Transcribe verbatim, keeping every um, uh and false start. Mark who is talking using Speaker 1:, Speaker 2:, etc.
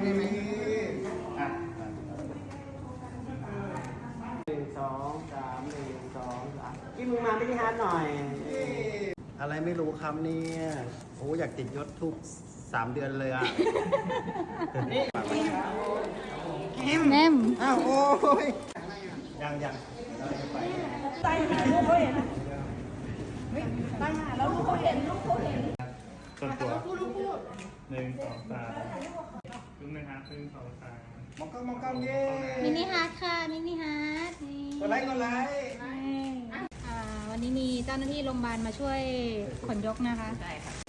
Speaker 1: ได้ไหม
Speaker 2: อ่ะ
Speaker 3: หนึ่งสองสามหนึ่งสองสามพี่มึงมาไม่ได้ฮาร์ดหน่อย
Speaker 1: อะไรไม่รู้ครับเนี่ยโอ้อยากติดยศทุกสามเดือนเลยอ่ะ
Speaker 4: แนม
Speaker 1: อ้าวโอ้ยยังยังเราจะไป
Speaker 5: ตายหาลูกเขาเห็นตายหาแล้วลูกเขาเห็นลูกเขาเห็น
Speaker 2: ส่วนตัวหนึ่งสองสามครึ่งนะครับครึ่งสองสาม
Speaker 1: มองกล้องมองกล้องเย้
Speaker 4: มินิฮาร์ดค่ะมินิฮาร์ดนี่
Speaker 1: กดไลค์กดไลค์
Speaker 4: อ่าวันนี้มีเจ้าหน้าที่โรงพยาบาลมาช่วยขนยกนะคะ ใช่ค่ะ